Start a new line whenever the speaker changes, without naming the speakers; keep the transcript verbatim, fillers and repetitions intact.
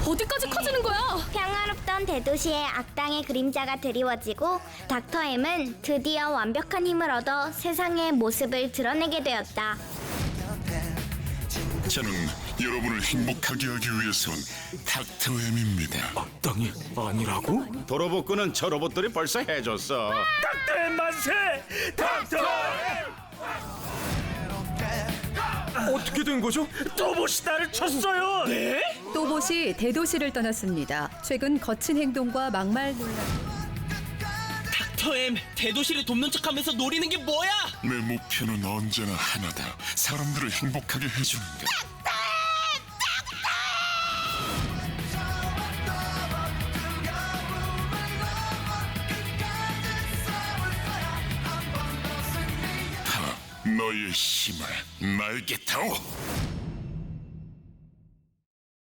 어디까지 커지는 거야?
평화롭던 대도시에 악당의 그림자가 드리워지고 닥터 M은 드디어 완벽한 힘을 얻어 세상의 모습을 드러내게 되었다.
저는 여러분을 행복하게 하기 위해서 온 닥터 M입니다.
악당이 아니라고?
도로복구는 저 로봇들이 벌써 해줬어.
닥터의 만세! 닥터! 어떻게 된 거죠? 또봇이 나를 쳤어요. 네?
또봇이 대도시를 떠났습니다. 최근 거친 행동과 막말 논란.
닥터엠, 대도시를 돕는 척하면서 노리는 게 뭐야?
내 목표는 언제나 하나다. 사람들을 행복하게 해주는 것. 하, 너의 힘을 날개 타오.